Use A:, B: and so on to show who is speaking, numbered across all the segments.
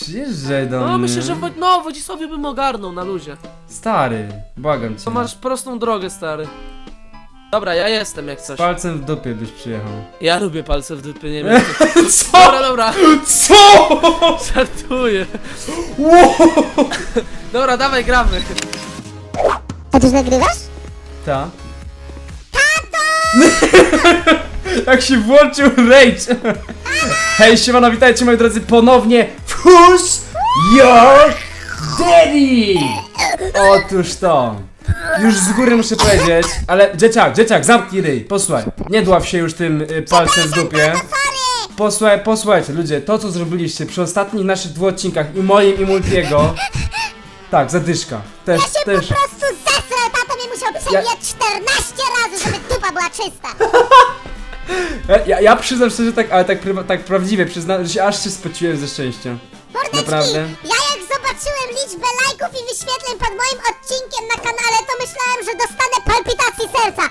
A: Przyjeżdżaj do mnie.
B: No myślę, że Wodzisławie bym ogarnął na luzie.
A: Stary, błagam cię.
B: To masz prostą drogę, stary. Dobra, ja jestem jak coś.
A: Palcem w dupie byś przyjechał.
B: Ja lubię palce w dupie, nie wiem.
A: Co?
B: Dobra, dobra.
A: Co?
B: Żartuję.
A: Wow.
B: Dobra, dawaj, gramy.
C: A ty już nagrywasz?
A: Ta. Jak się włączył rage. Hej, siemano, witajcie moi drodzy ponownie w Who's Your Daddy? Otóż to. Już z góry muszę powiedzieć, ale dzieciak, zamknij ryj, posłuchaj. Nie dław się już tym palcem w dupie. Posłuchajcie ludzie, to co zrobiliście przy ostatnich naszych 2 odcinkach i moim i Multiego. Tak, zadyszka. Też.
C: Po prostu zesrał, tato mnie musiał przebijać 14 razy, żeby dupa była czysta.
A: Ja przyznam szczerze tak, ale tak prawdziwie przyznam, że się aż się spociłem ze szczęścia.
C: Mordeczki,
A: Naprawdę?
C: ja jak zobaczyłem liczbę lajków i wyświetleń pod moim odcinkiem na kanale, to myślałem, że dostanę palpitacji serca.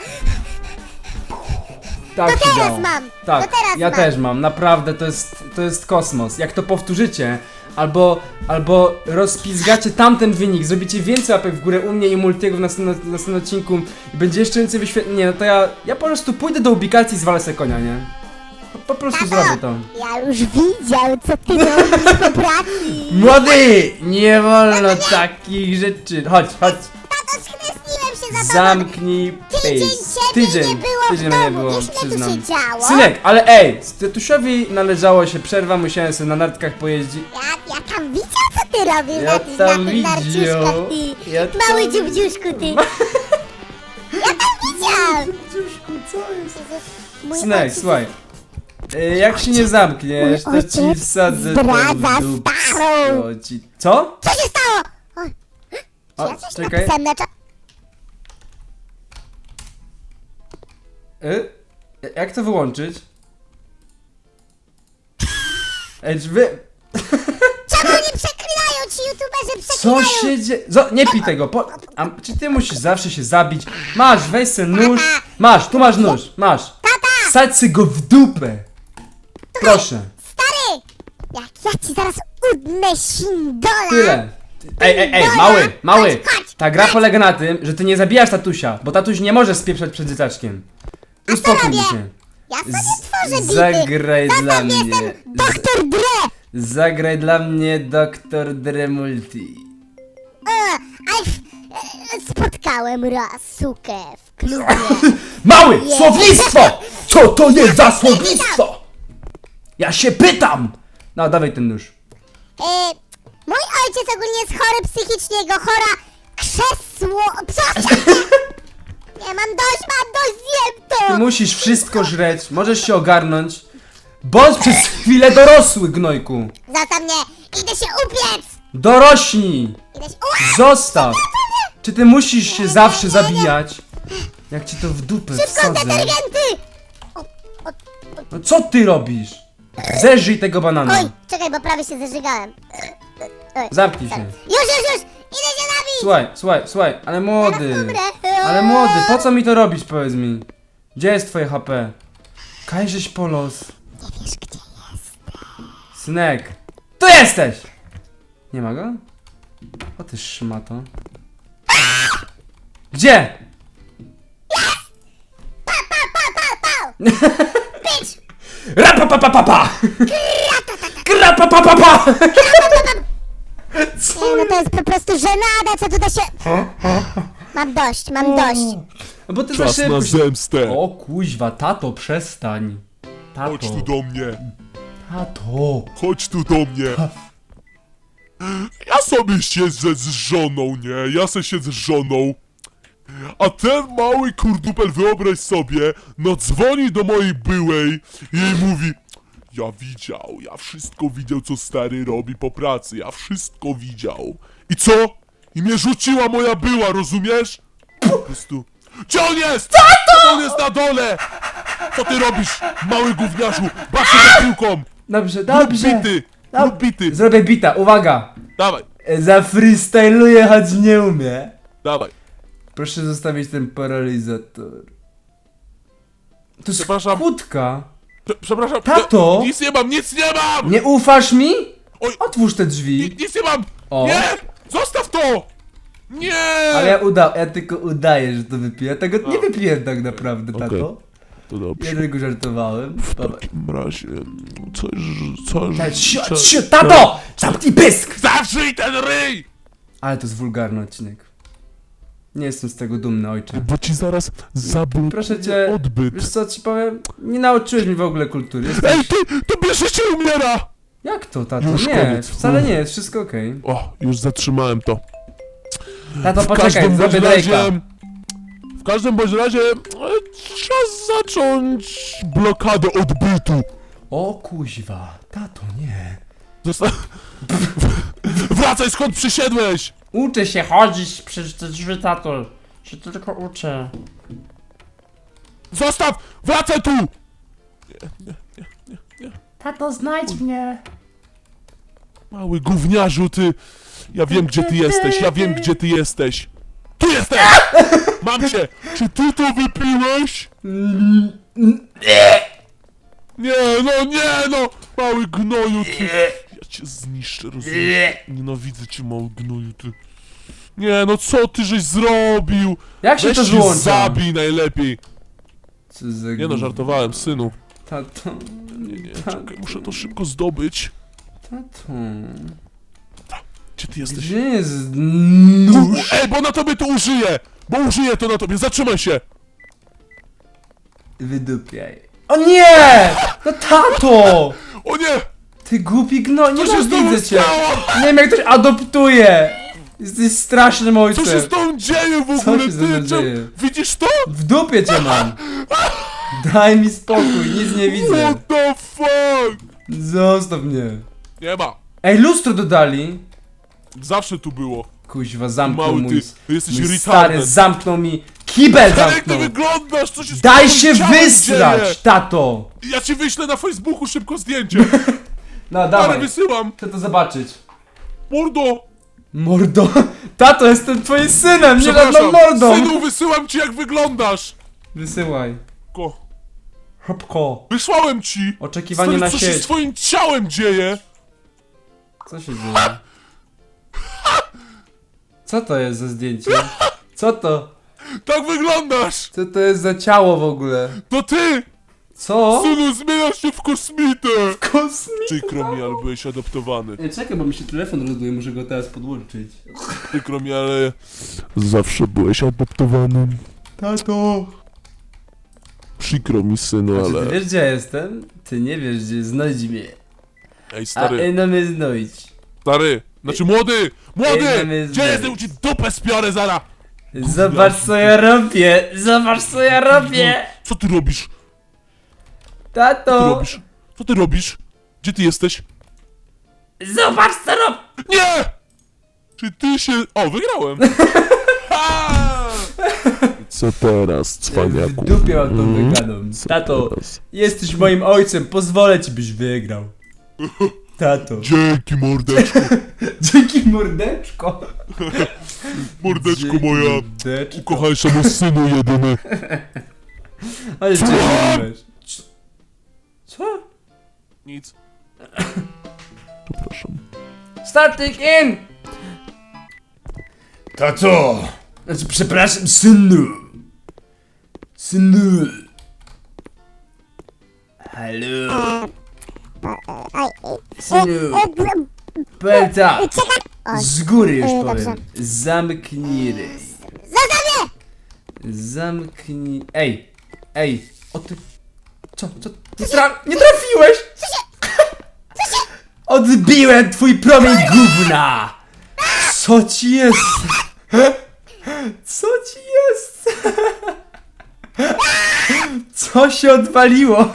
A: Tak
C: To
A: się
C: teraz
A: działo.
C: mam,
A: Tak,
C: to teraz
A: ja
C: mam.
A: też mam, naprawdę to jest kosmos. Jak to powtórzycie, albo rozpizgacie tamten wynik, zrobicie więcej łapek w górę u mnie i Multiego w następnym odcinku i będzie jeszcze więcej wyświetleń. Nie, no to ja po prostu pójdę do ubikacji i zwalę se konia, nie? Po prostu zrobię to.
C: Ja już widział, co ty robisz po pracy.
A: Młody! Nie wolno takich rzeczy. Chodź.
C: Tato, schryzniłem się za tobą.
A: Zamknij
C: Tydzień
A: face.
C: ciebie nie było w
A: Tydzień
C: domu,
A: mnie nie było,
C: wiesz, ile tu
A: przyznam.
C: się działo?
A: Synek, ale ej, Tytusiowi należało się przerwa, musiałem sobie na nartkach pojeździć.
C: Ja tam widział, co ty robisz
A: Ja
C: na tych
A: tam
C: narciuszkach,
A: widział.
C: ty.
A: Ja tam
C: Mały dziubdziuszku, ty. Ja tam widział.
A: Dziuszku, co jest?
C: Mój
A: Synek,
C: ojciec
A: słuchaj. Jak się nie zamkniesz, to
C: Mój
A: ci
C: ojciec
A: wsadzę
C: zdradza
A: do dupy.
C: starą.
A: Co?
C: Co się stało? Oj, czy
A: O,
C: ja coś
A: czekaj.
C: napisałem na cza...
A: Jak to wyłączyć? Ej, czy wy...
C: Czemu nie przeklinają ci youtuberzy,
A: Co
C: przeklinają?
A: się dzieje? Nie pij tego, czy ty musisz zawsze się zabić? Masz, weź se nóż. Masz, tu masz nóż, masz. Wsadź se go w dupę. Proszę.
C: Stary, jak ja ci zaraz udnę sindola.
A: Tyle. Ej, mały. Ta gra polega na tym, że ty nie zabijasz tatusia, bo tatuś nie może spieprzać przed dzieciaczkiem. Uspokój
C: robię?
A: się.
C: Ja sobie tworzę bity.
A: Zagraj dla
C: Zostaw,
A: mnie.
C: jestem Doktor Dre.
A: Zagraj dla mnie Dr. Dre Multi.
C: Spotkałem raz sukę w klubie.
A: Mały! Słownictwo! Co to jest za słownictwo? Ja się pytam! No, dawaj ten nóż.
C: Mój ojciec ogólnie jest chory psychicznie, jego chora krzesło... Nie, mam dość, zjem
A: Ty
C: to!
A: musisz wszystko żreć, możesz się ogarnąć. Bądź przez chwilę dorosły, gnojku.
C: Zostaw mnie, idę się upiec!
A: Dorośnij!
C: Idę się...
A: Zostaw! Czy ty musisz się zawsze zabijać? Jak ci to w dupę
C: Szybko,
A: wsadzę.
C: detergenty!
A: No co ty robisz? Zeżyj tego banana.
C: Oj, czekaj, bo prawie się zażygałem.
A: Zamknij się.
C: Już! Idę się nabić!
A: Słuchaj, ale młody.
C: Zaraz umrę.
A: Ale młody, po co mi to robić, powiedz mi? Gdzie jest twoje HP? Kajżeś po los.
C: Nie wiesz, gdzie jest.
A: Synek. Tu jesteś! Nie ma go? O ty szmato. Gdzie?
C: Bitch!
A: Rapapapapapa! Krapapapapa!
C: Nie, no to jest po prostu żenada, co tutaj się... Mam dość.
A: No bo ty
D: Czas
A: za szybko
D: na
A: się...
D: zemstę.
A: O kuźwa, tato, przestań.
D: Chodź tu do mnie.
A: Tato.
D: Chodź tu do mnie. Ja sobie siedzę z żoną, nie? Ja se siedzę z żoną. A ten mały kurdupel, wyobraź sobie, no dzwoni do mojej byłej i jej mówi: ja wszystko widział, co stary robi po pracy, ja wszystko widział. I co? I mnie rzuciła moja była, rozumiesz? Po prostu... Gdzie on jest? Tato! On jest na dole! Co ty robisz, mały gówniarzu? Baw się za piłką!
A: Dobrze.
D: Rób bity!
A: Zrobię bita, uwaga.
D: Dawaj,
A: Zafreestyluję, choć nie umie.
D: dawaj.
A: Proszę zostawić ten paralizator. To jest
D: Przepraszam.
A: kłódka.
D: Przepraszam.
A: Tato!
D: Nic nie mam!
A: Nie ufasz mi?
D: Oj,
A: Otwórz te drzwi.
D: nic nie mam!
A: O.
D: Nie! Zostaw to! Nie!
A: Ale ja tylko udaję, że to wypiję. Ja tego nie wypiłem tak naprawdę, tato.
D: Okej. To dobrze.
A: Ja tylko żartowałem.
D: W
A: Dobra.
D: takim razie... Coś...
A: Tato! Zamknij pysk!
D: Zawrzyj ten ryj!
A: Ale to jest wulgarny odcinek. Nie jestem z tego dumny, ojcze.
D: Bo ci zaraz zablokuję
A: Proszę cię,
D: odbyt.
A: wiesz co ci powiem? Nie nauczyłeś mnie w ogóle kultury.
D: Ej, to bierze się umiera!
A: Jak to, tato?
D: Już
A: Nie,
D: koniec.
A: wcale nie jest, wszystko okej.
D: O, już zatrzymałem to.
A: Tato,
D: W
A: poczekaj,
D: każdym
A: zrobię
D: bądź razie...
A: Drake'a.
D: W każdym bądź razie... Czas zacząć blokadę odbytu.
A: O kuźwa, tato, nie.
D: Wracaj skąd przysiedłeś!
B: Uczę się chodzić przez te drzwi, tato. Się tylko uczę.
D: Zostaw! Wracaj tu!
B: Tato, znajdź mnie.
D: Mały gówniarzu, ty! Ja wiem, gdzie ty jesteś, ja wiem, gdzie ty jesteś! Tu jesteś! Mam cię! Czy ty to wypiłeś? Nie, no! Mały gnoju, ty! Ja cię zniszczę, rozumiesz? Nienawidzę cię, mały gnoju, ty! Nie, no co ty żeś zrobił?
A: Jak się
D: Weź
A: to
D: się
A: wyłącza?
D: zabij najlepiej!
A: Co za
D: Nie no,
A: gówno.
D: żartowałem, synu.
A: Tato,
D: Nie, czekaj, muszę to szybko zdobyć.
A: tato.
D: Gdzie ty jesteś?
A: Gdzie jest nóż?
D: Ej, bo na tobie to użyję! Bo użyję to na tobie, zatrzymaj się!
A: Wydupiaj. O nie! No tato!
D: O nie!
A: Ty głupi gno, nie
D: Co się z tobą
A: widzę cię.
D: stało?
A: Nie wiem jak ktoś adoptuje. Jesteś strasznym
D: Co
A: ojcem.
D: się z tobą dzieje w ogóle?
A: się ze mną
D: Ty,
A: dzieje?
D: widzisz to?
A: W dupie cię mam. Daj mi spokój, nic nie widzę.
D: What the fuck?
A: Zostaw mnie.
D: Nie ma.
A: Ej, lustro dodali.
D: Zawsze tu było.
A: Kuźwa, zamknął
D: Mały
A: mój,
D: ty jesteś
A: mój
D: retarded.
A: stary, zamknął mi kibel
D: Ale jak ty
A: zamknął.
D: wyglądasz? Co się z
A: Daj
D: twoim
A: się
D: ciałem
A: wysrać,
D: dzieje?
A: tato.
D: Ja ci wyślę na Facebooku szybko zdjęcie.
A: No
D: Ale
A: dawaj,
D: wysyłam.
A: chcę to zobaczyć.
D: Mordo.
A: Mordo, tato, jestem twoim synem, nie żadną
D: Przepraszam.
A: mordą.
D: Synu, wysyłam ci jak wyglądasz.
A: Wysyłaj.
D: Ko.
A: Hopko.
D: Wysłałem ci.
A: Oczekiwanie
D: Stary,
A: na
D: co się z
A: sieć.
D: twoim ciałem dzieje?
A: Co się dzieje? Co to jest za zdjęcie? Co to?
D: Tak wyglądasz.
A: Co to jest za ciało w ogóle?
D: To ty.
A: Co?
D: Synu, zmieniasz się w kosmitę.
A: Kosmik.
D: Przykro mi, ale byłeś adoptowany.
A: Ej, czekaj, bo mi się telefon rozładuje, muszę go teraz podłączyć.
D: Przykro mi, ale... Zawsze byłeś adoptowanym.
A: Tato!
D: Przykro mi, synu,
A: A czy ty
D: ale...
A: wiesz gdzie ja jestem? Ty nie wiesz gdzie, znajdź mnie.
D: Ej,
A: A
D: stary,
A: no mnie znajdź.
D: stary. Znaczy, młody!
A: Ej,
D: Młody!
A: mamy
D: Gdzie
A: znaleźć.
D: jestem? Ci dupę spiorę zara!
A: Zobacz co ja robię! Zobacz co ja robię!
D: Co ty robisz? Co ty
A: Tato!
D: robisz? Co ty robisz? Gdzie ty jesteś?
A: Zobacz co robię!
D: Nie! Czy ty się... O, wygrałem! Ha! Co teraz,
A: W dupie mam tą wygraną. Tato, jesteś moim ojcem, pozwolę ci byś wygrał. Tato.
D: Dzięki, mordeczko.
A: Dzięki mordeczko.
D: Mordeczko
A: Dzięki,
D: moja.
A: mordeczko.
D: Ukochańszemu synu jedyny.
A: Ale cię lubiłeś. Co?
D: Nic. Przepraszam.
A: Starting in! Tato! Znaczy, przepraszam, synu. Synu. Halo. Synu. Powiem tak.
C: Czekaj!
A: Z góry już
C: dobrze.
A: powiem. Zamknij ryj.
C: Zostaw mnie!
A: Zamknij... Ej! Ej! O ty... Co? Nie trafiłeś! Odbiłem twój promień gówna! Co ci jest? Co ci jest? Co się odwaliło?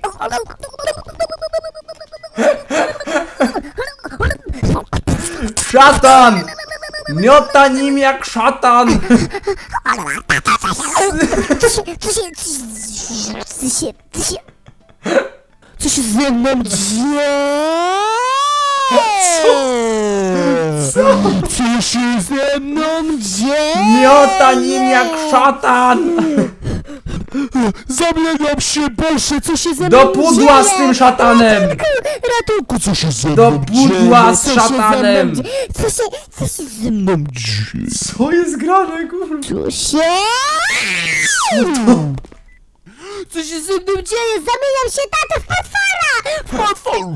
A: Szatan! Miota nim jak szatan!
C: Co się ze mną dzieje?
D: Co się ze mną dzieje?
A: Miota nim jak szatan!
D: Zamieniam się, Boże, co się ze
A: Do
D: mną
A: pudła z tym szatanem!
D: Ratunku, co się ze mną
A: Do pudła z
D: dzieje? Co się ze mną
A: szatanem!
D: dzieje?
C: Co się ze mną
D: Dzieje.
A: Co jest grane, kurwa?
C: tu się... Co się ze mną dzieje? Zamieniam się, tato, w potwora!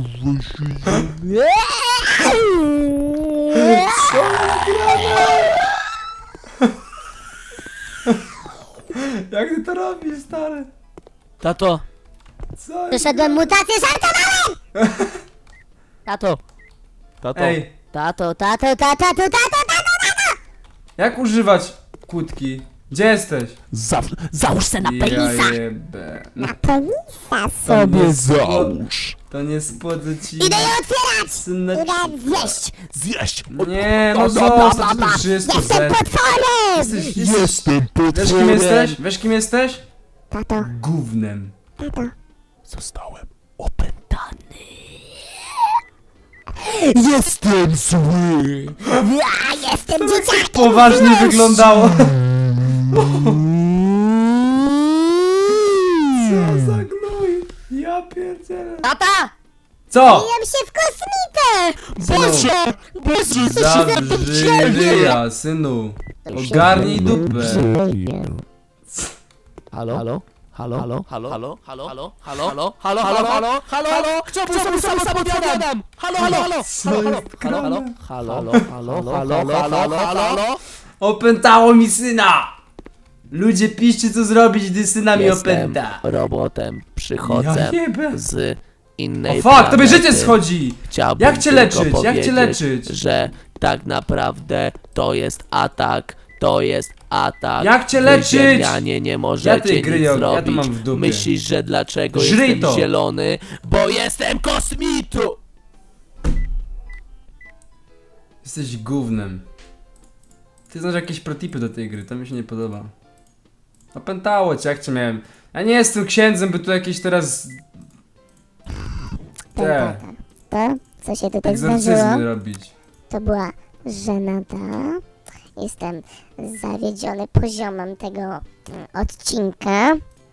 A: Jak ty to robisz, stary?
B: Tato,
A: Co jest?
C: Przeszedłem mutację, żartowałem!
B: tato. Tato.
A: Ej,
C: Tato.
A: jak używać kłódki? Gdzie jesteś?
D: Załóż se na
A: Ja jebę.
C: Na penisa
D: sobie załóż.
A: To nie spod ci...
C: Idę je otwierać!
A: Syneczku.
C: Idę zjeść!
D: Zjeść.
A: Nie, no zostaw, to wszystko
C: Jestem potworem!
A: Jesteś...
D: Jestem
A: Wiesz kim jesteś? Wiesz kim jesteś?
C: Tato,
A: Gównem.
D: Zostałem opętany. Jestem zły.
C: ja jestem dzieciakiem!
A: Poważnie wyglądało. Co za gnój. Ja pierdzielę.
C: Tata!
A: Co?
C: Zmieniam się w kosmitę!
A: Synu, zabrzy ryja, synu. Ogarnij dupę.
B: Halo? Halo? Halo? Halo? Halo? Halo? Halo? Halo? Halo? Halo? Halo? Halo? Kto był sam samowiadam? Halo? Halo? Halo?
A: Co jest
B: Halo?
A: grane?
B: Halo? Halo? Halo? Halo?
A: Opętało mi syna! Ludzie, piszcie co zrobić, gdy syna mi opęta.
B: robotem,
A: Ja
B: przychodzę
A: jebę.
B: z
A: O
B: innej
A: fuck, tobie życie
B: planety.
A: schodzi!
B: Chciałbym
A: Jak cię
B: tylko
A: leczyć? Jak cię
B: powiedzieć,
A: leczyć?
B: że tak naprawdę to jest atak. To jest atak.
A: Jak cię
B: Wy,
A: leczyć?
B: ziemnianie, nie
A: Ja
B: możecie
A: tej gry,
B: nic
A: ja to
B: zrobić.
A: mam w dupie.
B: Myślisz, że dlaczego
A: Żryj
B: jestem
A: to.
B: zielony? Bo jestem kosmitą!
A: Jesteś gównem. Ty znasz jakieś protipy do tej gry, to mi się nie podoba. Opętało cię, jak cię miałem. Ja nie jestem księdzem, by tu jakieś teraz... Te,
C: To, co się tutaj zdarzyło,
A: egzorcyzmy robić.
C: to była żenada. Jestem zawiedziony poziomem tego odcinka.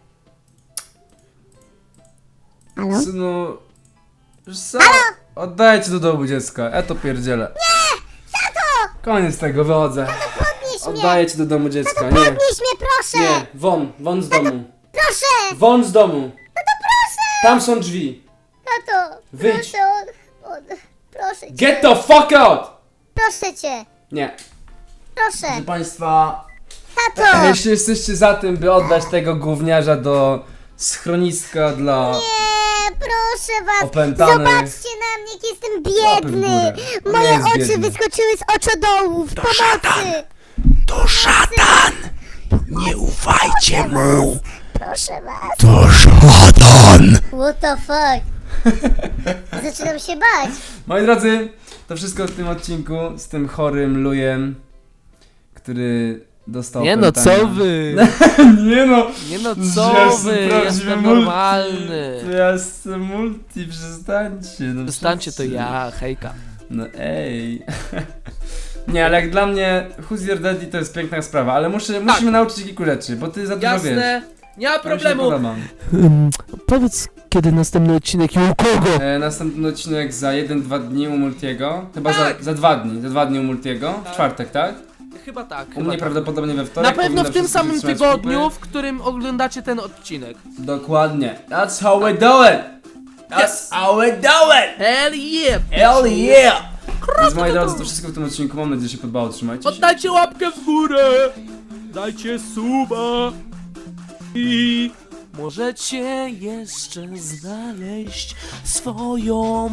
C: Halo?
A: Synu... Wiesz co? Oddajcie do domu dziecka, ja to pierdzielę. Nie! Tato! Koniec tego, wychodzę.
C: Podnieś mnie!
A: Oddaję ci do domu dziecka, nie.
C: Podnieś mnie, proszę!
A: Nie, won z domu.
C: Proszę!
A: Won z domu. Tam są drzwi.
C: Tato!
A: Wyjdź.
C: Proszę, proszę cię!
A: Get the fuck out!
C: Proszę cię!
A: Nie.
C: Proszę!
A: Proszę państwa,
C: Tato!
A: jeśli jesteście za tym, by oddać tego gówniarza do schroniska dla
C: Nie, proszę was!
A: opętanych...
C: Zobaczcie na mnie, jak jestem
A: Łapy w
C: biedny!
A: górę. On nie
C: Moje
A: jest
C: oczy
A: biedny.
C: wyskoczyły z oczodołów! Pomocy!
B: To szatan! Nie ufajcie mu!
C: Proszę was!
D: To szatan.
C: What the fuck? Zaczynam się bać!
A: Moi drodzy, to wszystko w tym odcinku z tym chorym lujem, który dostał
B: Nie no,
A: opętania.
B: co wy?
A: Nie no!
B: Nie no,
A: Jestem
B: co wy?
A: prawdziwy
B: Jestem
A: multi.
B: normalny.
A: To ja jestem multi, przestańcie. No
B: Zostańcie to
A: wszyscy.
B: ja, hejka.
A: No ej. Nie, ale jak dla mnie Who's Your Daddy to jest piękna sprawa, ale musimy nauczyć się kilku rzeczy, bo ty za dużo wiesz.
B: Jasne, nie ma
A: To mi się
B: problemu.
A: podoba.
B: Powiedz, kiedy następny odcinek i u kogo?
A: Następny odcinek za 1-2 dni u Multiego. Chyba
B: Tak.
A: za 2 dni. Za 2 dni u Multiego. W czwartek, tak?
B: Chyba tak.
A: U
B: Chyba
A: mnie
B: tak.
A: prawdopodobnie we
B: Na
A: wtorek.
B: pewno
A: powinno
B: w tym
A: wszystko
B: samym
A: wytrzymać
B: tygodniu,
A: kupy.
B: w którym oglądacie ten odcinek.
A: Dokładnie. That's how we do it. That's
B: Yes.
A: how we do it.
B: Hell yeah!
A: Hell yeah. Więc moi drodzy, to wszystko w tym odcinku. Mam nadzieję, że się podobało. Trzymajcie się.
B: Oddajcie łapkę w górę! Dajcie suba! I możecie jeszcze znaleźć swoją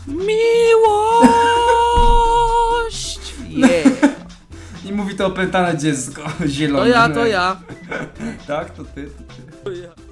B: miłość! Yeah!
A: I mówi to opętane dziecko zielone.
B: To ja.
A: Tak, to ty.
B: To ja.